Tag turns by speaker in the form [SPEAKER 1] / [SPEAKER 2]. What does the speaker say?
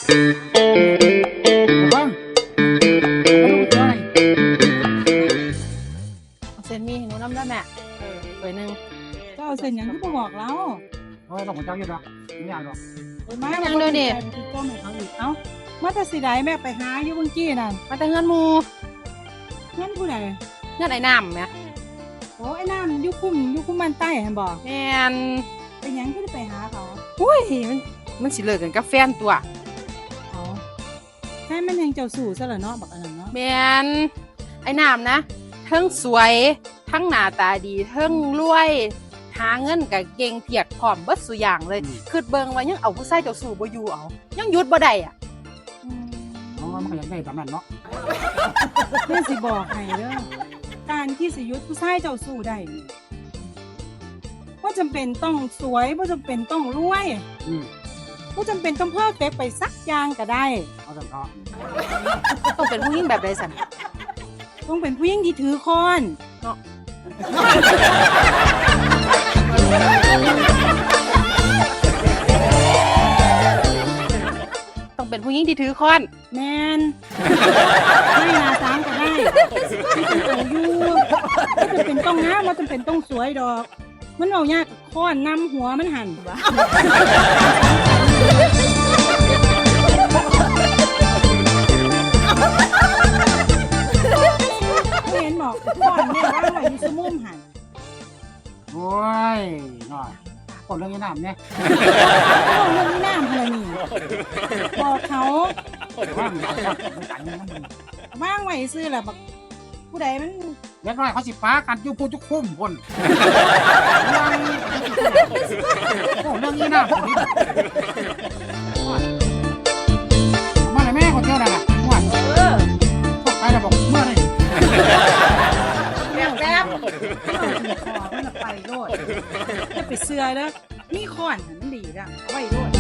[SPEAKER 1] ฟังเอาลูกเจ้าไหน
[SPEAKER 2] เอาเส้นมีให้หนูน้ำได้แม่ถ้วยหนึ่ง
[SPEAKER 3] เจ้าเอาเส้นหยังที่บ่บอกเรา
[SPEAKER 1] เอาต้องหัวเจ้าอยู่หรอกไม่อยากหรอก
[SPEAKER 3] มายังโดนดิคือต้มให้เขาอีกเอ้ามาแต่สิได้แม่ไปหาอยู่เมื่อกี้นั่น
[SPEAKER 2] มาแต่เงินหมู
[SPEAKER 3] งั้นผู้ใด
[SPEAKER 2] เงินไอ้น้ำแม่
[SPEAKER 3] โอ้ไอ้น้ำอยู่คุ้มมันใต้เห็นบ่
[SPEAKER 2] แม่น
[SPEAKER 3] เป็นหยังก็ได้ไปหาเขา
[SPEAKER 2] อุ้ยมันสิเลิกกันกับแฟนตัว
[SPEAKER 3] เขาแค่มันยังเจ้าสู่ซะเหรอเนาะบักอันนั้นเนาะ
[SPEAKER 2] แม่นไอ้น้ำนะทั้งสวยทั้งหน้าตาดีทั้งรวยหาเงินกับเก่งเพียกพร้อมเบิดสุอย่างเลยคือเบิ่งว่ายังเอาผู้ชายเจ้าสู่บ่อยู่เอายังหยุดบ่ได้อ่ะ
[SPEAKER 1] เอามันก็อยากได้แบบนั้นเนาะ
[SPEAKER 3] แม่สิบอกให้เด้อการที่สิยุทธผู้ชายเจ้าสู่ได้นี่ว่าจำเป็นต้องสวยว่าจำเป็นต้องรวย ว่าจำเป็นต้องเพิ่มเฟกไปสักอย่างก็ได้
[SPEAKER 1] เอาแต่เพาะ
[SPEAKER 2] ต้องเป็นผู้หญิงแบบใดสัน
[SPEAKER 3] ต้องเป็นผู้หญิงที่ถือค้อน
[SPEAKER 2] เนาะ ต้องเป็นผู้หญิงที่ถือค้อน
[SPEAKER 3] แมนไม่นาสามก็ได้ที่เป็นเอาอยู่ว่าจำเป็นต้องงามว่าจำเป็นต้องสวยดอก มันเอายากกับค้อนนำหัวมันหันเห็นบอกค้อนเนี่ยว่าไว้อยู่สมุมหัน
[SPEAKER 1] โอ้ยหน่อยคนเรื่องนี้น้ำเนี่ย
[SPEAKER 3] เอาเรื่องนี้น้ำพลนี่บอกเขา
[SPEAKER 1] ว่างไม่ต่างกันมัน
[SPEAKER 3] ว่างไว้ซื้อแหละบักผู้ใดมัน
[SPEAKER 1] เล็กน้อยเขาสิป้ากันอยู่ปูจุกคุ้มคนโอ้เรื่องนี้น้ำมาเลยแม่คนเจ้าน่ะว่าพวกใครจะบอกเมื่อไร
[SPEAKER 2] แบบ
[SPEAKER 3] คอมันละไปโลดจะไปเสื้อแล้วมีค้อนหันมันดีละเอาไว้โลด